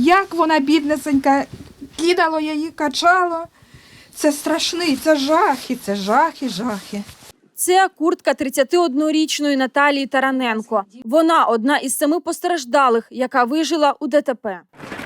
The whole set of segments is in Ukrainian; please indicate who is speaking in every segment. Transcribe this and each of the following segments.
Speaker 1: як вона, біднесенька, кидало її, качало. Це страшний, це жахи, це жахи, жахи.
Speaker 2: Це куртка 31-річної Наталії Тараненко. Вона одна із 7 постраждалих, яка вижила у ДТП.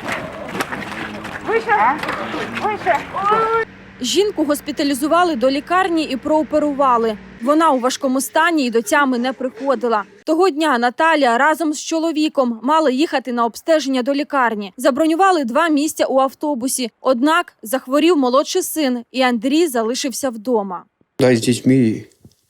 Speaker 2: Жінку госпіталізували до лікарні і прооперували. Вона у важкому стані і до тями не приходила. Того дня Наталія разом з чоловіком мала їхати на обстеження до лікарні. Забронювали 2 місця у автобусі. Однак захворів молодший син, і Андрій залишився вдома.
Speaker 3: Да, з дітьми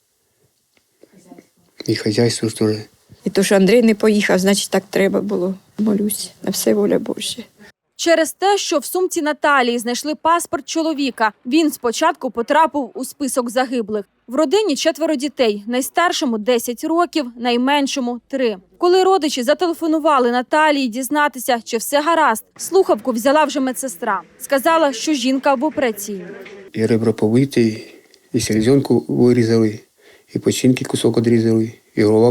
Speaker 3: і хазяйство теж.
Speaker 4: І то, що Андрій не поїхав, значить так треба було. Молюсь, на все воля Божа.
Speaker 2: Через те, що в сумці Наталії знайшли паспорт чоловіка, він спочатку потрапив у список загиблих. В родині 4 дітей, найстаршому 10 років, найменшому 3. Коли родичі зателефонували Наталії дізнатися, чи все гаразд, слухавку взяла вже медсестра. Сказала, що жінка в операційній.
Speaker 3: І ребра побиті, і селезенку вирізали, і печінки кусок відрізали, і голова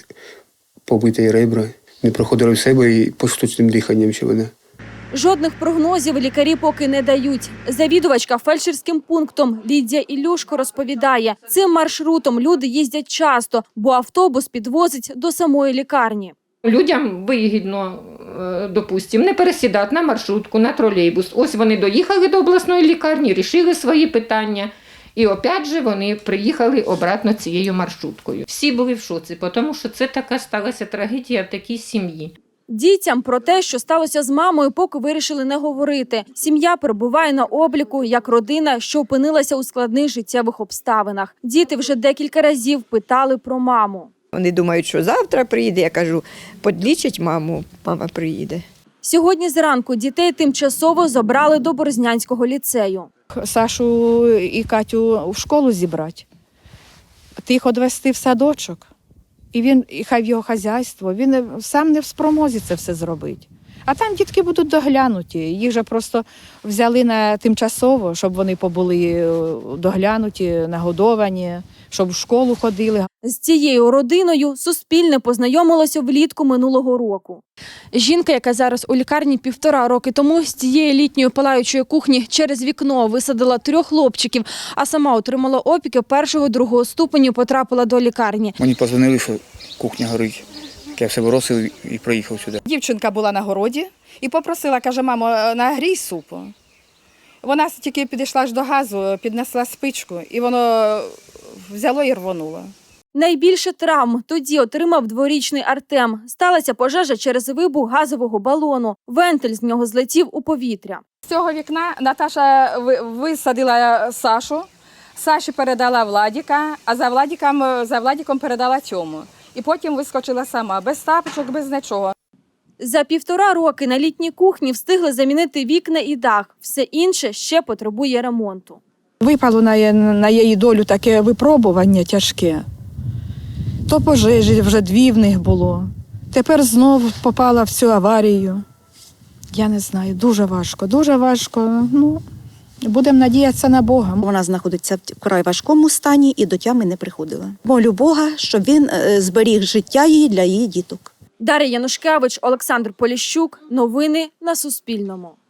Speaker 3: побита, і ребра. Не проходили в себе і по штучним диханням ще вона.
Speaker 2: Жодних прогнозів лікарі поки не дають. Завідувачка фельдшерським пунктом Лідія Ілюшко розповідає, цим маршрутом люди їздять часто, бо автобус підвозить до самої лікарні.
Speaker 5: Людям вигідно, допустимо, не пересідати на маршрутку, на тролейбус. Ось вони доїхали до обласної лікарні, рішили свої питання. І опять же вони приїхали обратно цією маршруткою. Всі були в шоці, тому що це така сталася трагедія в такій сім'ї.
Speaker 2: Дітям про те, що сталося з мамою, поки вирішили не говорити. Сім'я перебуває на обліку як родина, що опинилася у складних життєвих обставинах. Діти вже декілька разів питали про маму.
Speaker 4: Вони думають, що завтра приїде. Я кажу, подлічить маму, мама приїде.
Speaker 2: Сьогодні зранку дітей тимчасово забрали до Борзнянського ліцею.
Speaker 6: Сашу і Катю в школу зібрати, тих відвести в садочок. І хай в його хазяйство, він сам не в спромозі це все зробити. А там дітки будуть доглянуті. Їх же просто взяли на тимчасово, щоб вони побули доглянуті, нагодовані, щоб в школу ходили.
Speaker 2: З цією родиною Суспільне познайомилося влітку минулого року. Жінка, яка зараз у лікарні 1,5 роки тому, з цієї літньої палаючої кухні через вікно висадила 3 хлопчиків, а сама отримала опіки 1-2 ступеню, потрапила до лікарні.
Speaker 7: Мені подзвонили, що кухня горить. Я все бросив і приїхав сюди.
Speaker 6: Дівчинка була на городі і попросила, каже, мамо, нагрій супу. Вона тільки підійшла аж до газу, піднесла спичку, і воно взяло і рвонуло.
Speaker 2: Найбільше травм тоді отримав 2-річний Артем. Сталася пожежа через вибух газового балону. Вентиль з нього злетів у повітря.
Speaker 6: З цього вікна Наташа висадила Сашу, Саші передала Владіка, а за Владіком передала Тьому. І потім вискочила сама, без тапочок, без нічого.
Speaker 2: За 1,5 роки на літній кухні встигли замінити вікна і дах. Все інше ще потребує ремонту.
Speaker 1: Випало на її долю таке випробування тяжке. То пожежі вже 2 в них було. Тепер знову попала в цю аварію. Я не знаю, дуже важко, дуже важко. Ну, будемо надіятися на Бога.
Speaker 8: Вона знаходиться в вкрай важкому стані і до тями не приходила. Молю Бога, щоб він зберіг життя її для її діток.
Speaker 2: Дар'я Янушкевич, Олександр Поліщук. Новини на Суспільному.